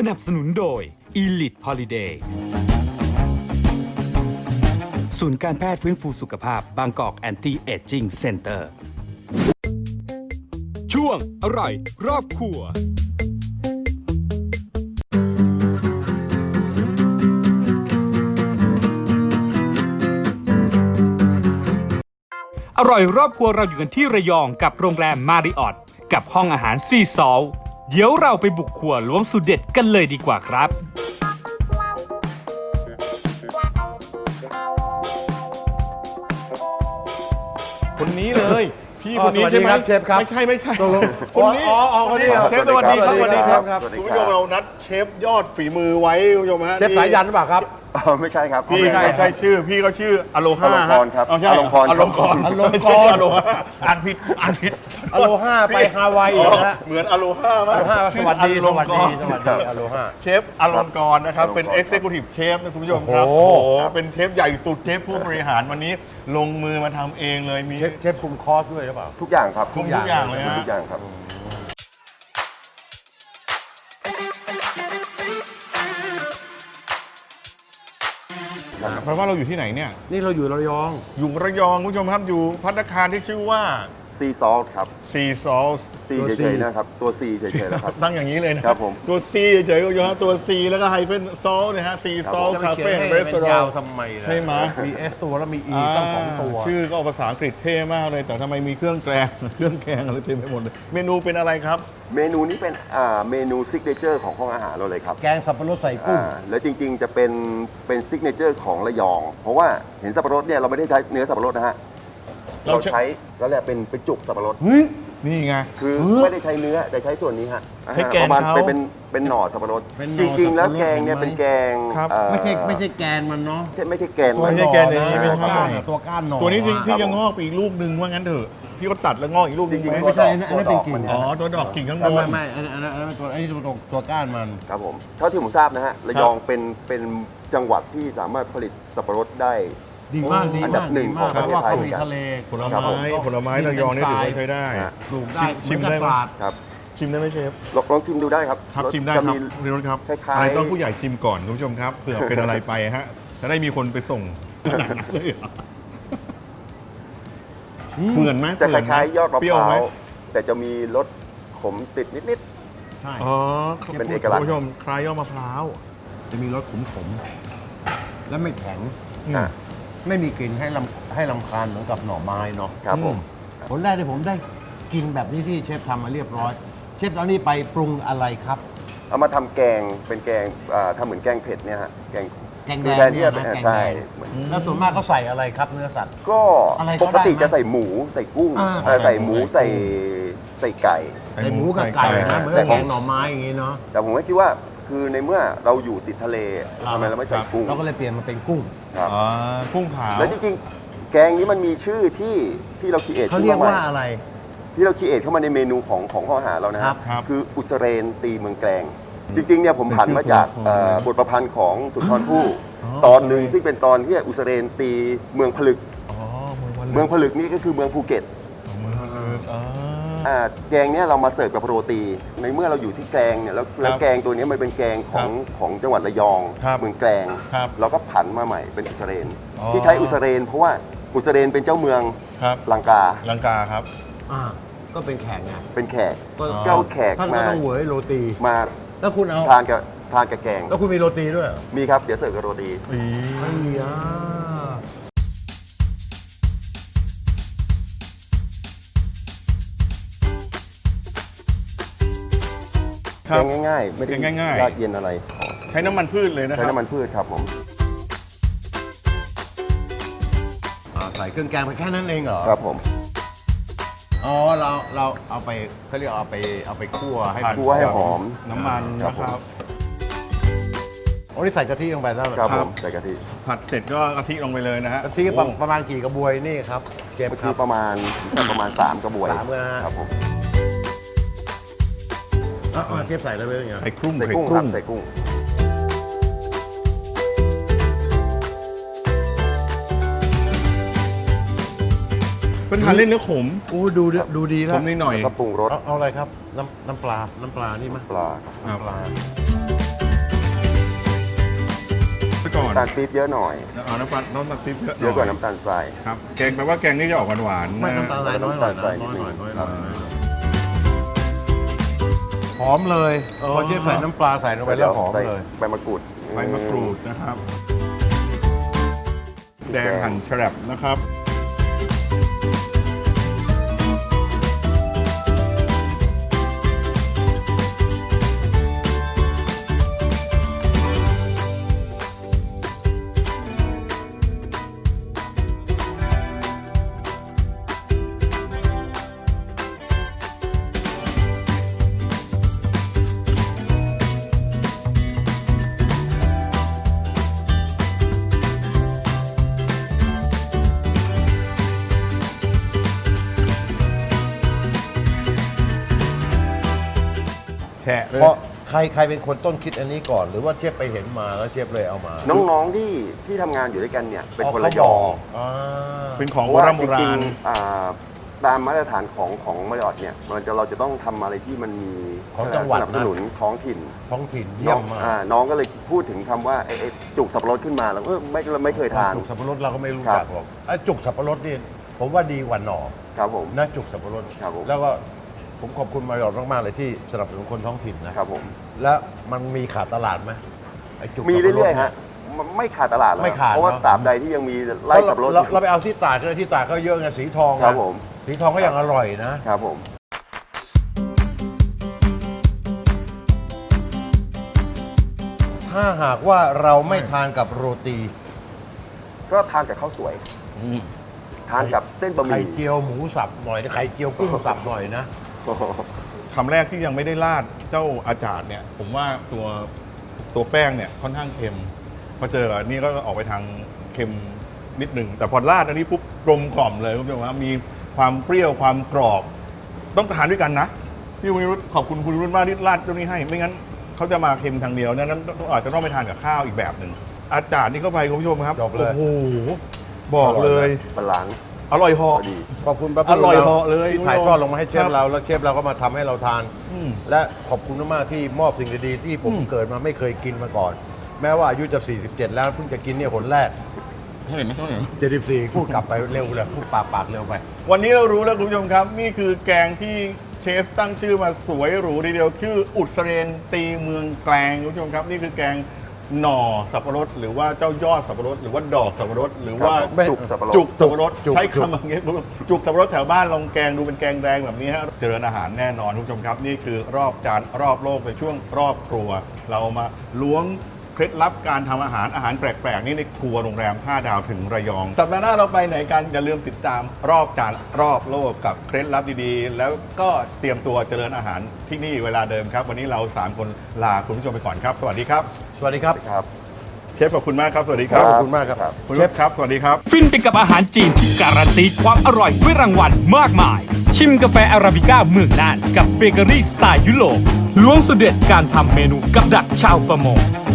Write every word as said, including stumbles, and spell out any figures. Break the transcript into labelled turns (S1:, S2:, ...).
S1: นับสนุนโดย Elite Holiday ศูนย์การแพทย์ฟื้นฟูสุขภาพบางกอกแอนตี้เอจจิ้งเซ็นเตอร์ช่วงอร่อยรอบครัวอร่อยรอบครัวเราอยู่กันที่ระยองกับโรงแรมมาริออทกับห้องอาหารซีซอลเดี๋ยวเราไปบุกครัวล้วงสูตรเด็ดกันเลยดีกว่าครับ
S2: คนนี้เลยพี่คนนี้ใช่ไหมเชฟครับไม่ใช่ไม่ใช่คนนี้อ๋อคนนี้เชฟสวัสดีครับสวัสดีครับคุณผู้ชมเรานัดเชฟยอดฝีมือไว้คุณผู้ชมฮะเชฟสายยันหรือเปล่าครับ
S3: ไม่ใช่ครับ
S2: พี่ไม่ใช่ชื่อพี่ก็ชื่ออโลฮา
S3: ครับ
S2: อโลฮาอโลฮาอโลฮาอโลฮาอ่านผิดอ่านผิด
S4: อโลฮาไปฮาวายนะ
S2: เหมือนอโลฮามาก
S4: สวัสดีสวัสดีสวัสดีอโลฮา
S2: เชฟอลงกรนะครับเป็น Executive Chef นะคุณผู้ชมครับโอ้โหเป็นเชฟใหญ่ตุดเชฟผู้บริหารวันนี้ลงมือมาทำเองเลยมี
S4: เชฟคุมคอร์สด้วยหรือเปล่า
S3: ทุกอย่างครับ
S2: คุมทุกอย่างเลยฮะ
S3: ทุกอย่างครับ
S2: แปลว่าเราอยู่ที่ไหนเนี่ย
S4: นี่เราอยู่ระยอง
S2: อยู่ระยองคุณผู้ชมครับอยู่ภัตตาคารที่ชื่อว่า
S3: ซีซอลครับ
S2: ซีซอล
S3: ซีเฉยๆนะครับตัวซีเฉยๆนะครับ
S2: ตั้งอย่างนี้เลยนะ
S3: ครับผม
S2: ตัวซีเฉยๆก็อยู่ฮะตัวซีแล้วก็ไฮเฟนซอลนะฮะซีซอลคาเฟ่เรสตอรอง
S4: ทำไม
S2: ใช่ไหม
S4: มีเอสตัวแล้วมีอีตั้งสองตัว
S2: ชื่อก็ภาษาอังกฤษเท่มากเลยแต่ทำไมมีเครื่องแกงเครื่องแกงอะไรเต็มไปหมดเลยเมนูเป็นอะไรครับ
S3: เมนูนี้เป็นเมนูซิกเนเจอร์ของห้องอาหารเราเลยครับ
S4: แกงสับปะรดใส่กุ้ง
S3: แล้วจริงๆจะเป็นเป็นซิกเนเจอร์ของระยองเพราะว่าเห็นสับปะรดเนี่ยเราไม่ได้ใช้เนื้อสับปะรดนะฮะเราใช้แล้วแหละเป็นเป็นจุกสับปะรด
S2: นี่ไง
S3: คือไม่ได้ใช้เนื้อแต่ใช้ส่วนนี้ฮะ
S2: ใช้แกงเขา
S3: เป็นเป็นหน่อสับปะรดจริงๆแล้วแกงเนี่ยเป็นแกง
S4: ไม่ใช่ไม่ใช่แกนมันเนาะ
S3: ไม่ใช่แกน
S2: ไม่ใช่แกนนี้ไม่ใช่
S4: ก้านตัวก้านหน่อ
S2: ตัวนี้จริงที่ยังงอกไปอีกลูกหนึ่งว่างั้นเถอะที่เขาตัดแล้วงอกอีกลูกจริง
S4: ไม่ใช่อันนั้นเป็นกิ่ง
S2: อ๋อตัวดอกกิ่งข้างบน
S4: ไม่ไม่อันนั้นอันนั้นตัวไอ้ตัวตัวก้านมัน
S3: ครับผมเท่าที่ผมทราบนะฮะระยองเป็นเป็นจังหวัดที่สามารถผลิตสับปะรดได้
S4: ดีมากดีมาก
S3: หนึ่ง
S4: เพราะว่าเขามีทะเล
S2: ผลไม้ผลไม้ระยองนี่ถือว่าใช้ได้
S4: ปลูกได้
S2: ชิมได้ไหม
S3: ครับ
S2: ชิมได้ไหมเชฟ
S3: ลองชิมดูได้ครับ
S2: ครับชิมได้ครับเรียนครับอะไรต้องผู้ใหญ่ชิมก่อนคุณผู้ชมครับเผื่อเป็นอะไรไปฮะจะได้มีคนไปส่งเหมือนไหม
S3: จะคล้ายๆยอดมะพร้าวแต่จะมีรสขมติดนิด
S2: ๆใช่อ๋อ
S3: เป็นเอกลักษณ์
S2: คุณผู้ชมคล้ายยอดมะพร้าว
S4: จะมีรสขมๆและไม่แข็งไม่มีกลิ่นให้ลำให้ลำคาญเหมือนกับหน่อไม้เนาะ
S3: ครับผม
S4: ผลแรกที่ผมได้กินแบบนี้ที่เชฟทำมาเรียบร้อยเชฟตอนนี้ไปปรุงอะไรครับ
S3: เอามาทำแกงเป็นแกงทำเหมือนแกงเผ็ดเนี่ยฮะแกง
S4: แกงแดงเนี่ยนะแกงแดงแล้วส่วนมากเขาใส่อะไรครับเนื้อสัตว์
S3: ก็ปกติจะใส่หมูใส่กุ้งใส่หมูใส่ใส่ไก่
S4: ใส่หมูกับไก่นะเหมือนแกงหน่อไม้อย่างงี้เนาะ
S3: แต่ผมก็คิดว่าคือในเมื่อเราอยู่ติดทะเลทำไมเราไม่ใส่กุ้ง
S4: เราก็เลยเปลี่ยนมาเป็นกุ้ง
S2: อ๋อกุ้งขาว
S3: แล้วจริงๆแกงนี้มันมีชื่อที่ที่เราคิดเอท
S4: เขาเรียกว่าอะไร
S3: ที่เราคิดเอทเข้ามาในเมนูของของห้องอาหารเรานะครับคืออุสเรนตีเมืองแกลงจริงๆเนี่ยผมผันมาจากบทประพันธ์ของสุนทรภู่ตอนหนึ่งซึ่งเป็นตอนที่อุสเรนตีเมืองผลึกเมืองผลึกนี่ก็คือเมืองภูเก็ตแกงเนี่ยเรามาเสิร์ฟกับโรตีในเมื่อเราอยู่ที่แกงเนี่ยแล้วแกงตัวนี้มันเป็นแกงของของจังหวัดระยองเมืองแกลงเราก็ผันมาใหม่เป็นอุสเรนที่ใช้อุสเรนเพราะว่าอุสเรนเป็นเจ้าเมืองลังกา
S2: ลังกาครับ
S4: ก็เป็นแขกไง
S3: เป็นแขกเจ้าแขก
S4: ท่านก็ต้องเหวยโรตี
S3: มา
S4: แล้วคุณเอา
S3: ทานกับทานกับแกง
S4: แล้วคุณมีโรตีด้วย
S3: มีครับเดี๋ยวเสิร์ฟกับโรตี
S4: ไม่มีอ่ะ
S3: แกงง่ายๆไม่ได้
S2: ง่าย
S3: ๆยากเย็นอะไร
S2: ใช้น้ำมันพืชเลยนะครับ
S3: ใช้น้ำมันพืชครับผม
S4: ใส่เครื่องแกงไปแค่นั้นเองเหรอ
S3: ครับผม
S4: อ๋อเราเราเอาไปเขาเรียกเอาไปเอาไปคั่วให้
S3: คั่วให้หอม
S2: น้ำมันนะครับ
S4: โอ้นี่ใส่กะทิลงไปแล้ว
S3: ครับผมใส่กะทิ
S2: ผัดเสร็จก็กะทิลงไปเลยนะฮะ
S4: กะทิประมาณกี่กระบวยนี่ครับ
S3: เก็บกะทิประมาณประมาณสามกระบวย
S4: สาม
S3: ครับผม
S4: เชฟใส่อะไรไปอย่างเงี้ย
S2: ใส่กุ้ง
S3: ใส่กุ้งครับใส่กุ้ง
S2: เป็นทานเล่นเนื้อขม
S4: โอ้ดูดูดีแล้ว
S2: ขมนิดหน่อย
S3: ก็ปรุงรส
S4: เอาอะไรครับน้ำน้ำปลาน้ำปลานี่มั้ย
S3: ปลา
S4: น้ำปลา
S2: ซะก่อน
S3: น้ำตาลปี๊บเยอะหน่อย
S2: เอาน้ำตาลน้ำตาลปี๊บเยอะห
S3: เยอะกว่า
S2: น่อย
S3: น้ำตาลทราย
S2: ครับแกงแปลว่าแกงนี่จะออกหวานๆ
S4: ไม่
S2: นะ
S4: น้ำตาลทรายน้อยหน่อยนะ
S3: น้ำตาลทราย
S4: น้อยหน่อยน้อยห
S2: อ่
S4: น่อย
S2: า
S4: หอมเลย
S2: อ๋อ
S4: พอเจ๊ใส่น้ำปลาใส่ลงไปแล้วหอม
S3: ใส่
S4: เลย
S3: ใบมะกรูด
S2: ใบมะกรูดนะครับ แดงหั่นแฉลบนะครับ แฉะเลย
S4: เพราะใครใครเป็นคนต้นคิดอันนี้ก่อน หรือว่าเชฟไปเห็นมาแล้วเชฟเลยเอามา
S3: น้องๆที่ที่ทำงานอยู่ด้วยกันเนี่ยเป็นคนระยอง
S4: อ่า
S2: เป็นของ
S3: เพ
S2: โบ
S3: ราะว่า
S2: ราณโบ
S3: จ
S2: รา
S3: ริง
S2: ณ
S3: ๆอ่าตามมาตรฐานของของมาริออทเนี่ยมันจะเราจะต้องทำอะไรที่มันมี
S4: ของจังหวัด
S3: สนับส
S4: นะ
S3: นุนท้องถิ่น
S4: ท้องถิ่น
S3: น้
S4: เยี่ย
S3: อง
S4: มมาก
S3: อ่าน้องก็เลยพูดถึงคำว่าไอ้ไอ้จุกสับปะรดขึ้นมาแล้วเออไม่เราไม่เคยทาน
S4: จุกสับปะรดเราก็ไม่รู้
S3: ครับ
S4: จักหรอกไอ้จุกสับปะรดนี่ผมว่าดีกว่าหน่อ
S3: ครับผม
S4: นะจุกสับปะรด
S3: ครับผม
S4: แล้วก็ผมขอบคุณมาริออทมากๆเลยที่สนับสนุนคนท้องถิ่นนะครับ
S3: ผม
S4: แล้วมันมีขาดตลาดไหมไอ้จุก
S3: มี
S4: สับปะด
S3: เรื่อยๆ
S4: นี่
S3: ฮะมันไม่ขาดตลาดแล้ว
S4: ไม่ขาด
S3: เพราะว่า
S4: เนอะ
S3: ตราบใดที่ยังมีไร่
S4: เพราะ
S3: สับปะรด
S4: เรา
S3: อยู่
S4: เราไปเอาที่ตากเลยที่ตากก็เยอะไงสีทองนะครับ
S3: ผม
S4: สีทองก็ยังอร่อยนะ
S3: ครับผม
S4: ถ้าหากว่าเราไม่ทานกับโรตี
S3: ก็ทานกับข้าวสวย ทานกับเส้นบะห
S4: ไข่
S3: มี่
S4: เจียวหมูสับหน่อยนะไข่เจียวกุ้งสับหน่อยนะ
S2: คำแรกที่ยังไม่ได้ราดเจ้าอาจารย์เนี่ย ผมว่าตัวตัวแป้งเนี่ยค่อนข้างเค็มพอเจอกับอันนี่ก็ออกไปทางเค็มนิดหนึ่งแต่พอราดอันนี้ปุ๊บกลมกล่อมเลยคุณผู้ชมครับมีความเปรี้ยวความกรอบ ต้องทานด้วยกันนะพี่วิรุธขอบคุณคุณวิรุธมากที่ราดเจ้านี้ให้ ไม่งั้นเขาจะมาเค็มทางเดียวนั้นต้องอาจจะต้องไปทานกับข้าวอีกแบบหนึ่งอาจารย์นี่เข้าไปคุณผู้ชมครับ
S4: จบเลย
S2: โอ้โหบอกเลย
S3: บาลานซ์
S2: อร่อยเห
S3: พ
S2: อ
S3: อดี
S4: ขอบคุณป้า
S2: อร่อยเหาะเลย
S4: ที่ถ่ายทอดลงมาให้เช
S2: ค
S4: ฟ
S2: รับ
S4: เราแล้วเชฟเราก็มาทำให้เราทาน
S2: อืม
S4: และขอบคุณมากๆที่มอบสิ่งดีๆที่ผม
S2: อืม
S4: เกิดมาไม่เคยกินมาก่อน แม้ว่าอายุจะ สี่สิบเจ็ด แล้วเพิ่งจะกินเนี่ยหนแรก
S2: เห็นไหมเห็นไหม
S4: เจ็ดสิบสี่ พูดกลับไปเร็วเลยพูดปากปากเร็วไป
S2: วันนี้เรารู้แล้วคุณผู้ชมครับ นี่คือแกงที่เชฟตั้งชื่อมาสวยหรูทีเดียวชื่ออุดเสเรนตีเมืองแกลงคุณผู้ชมครับ นี่คือแกงหน่อสับปะรดหรือว่าเจ้ายอดสับปะรดหรือว่าดอกสับปะรดหรือว่า
S3: ครับจุกสับปะรด
S2: จุกสับปะรด
S4: จุก
S2: ใช้
S4: จุก
S2: คำอย่างเงี้ยคุณผู้ชมจุกสับปะรดแถวบ้านลองแกงดูเป็นแกงแดงแบบนี้ฮะเจริญอาหารแน่นอนคุณผู้ชมครับ นี่คือรอบจานรอบโลกในช่วงรอบครัว เรามาล้วงเคล็ดลับการทำอาหารอาหารแปลกๆนี่ในครัวโรงแรมห้าดาวถึงระยอง สัปดาห์หน้าเราไปไหนกันอย่าลืมติดตามรอบจานรอบโลกกับเคล็ดลับดีๆ แล้วก็เตรียมตัวเจริญอาหารที่นี่เวลาเดิมครับ วันนี้เราสามคนลาคุณผู้ชมไปก่อนครับ สวัสดีครับ
S4: สวัสดีครับ
S3: ครับ
S2: เชฟขอบคุณมากครับสวัสดีครับ
S4: ขอบคุณมากครับ
S2: คุณ
S4: เช
S2: เช
S4: ฟ
S2: ฟครับสวัสดีครับ
S1: ฟินไปกับอาหารจีนที่การันตีความอร่อยด้วยรางวัลมากมาย ชิมกาแฟอาราบิก้าเมืองน่านกับเบเกอรี่สไตล์ยุโรปล้วงสุดเด็ดการทำเมนูกับดักชาวประมง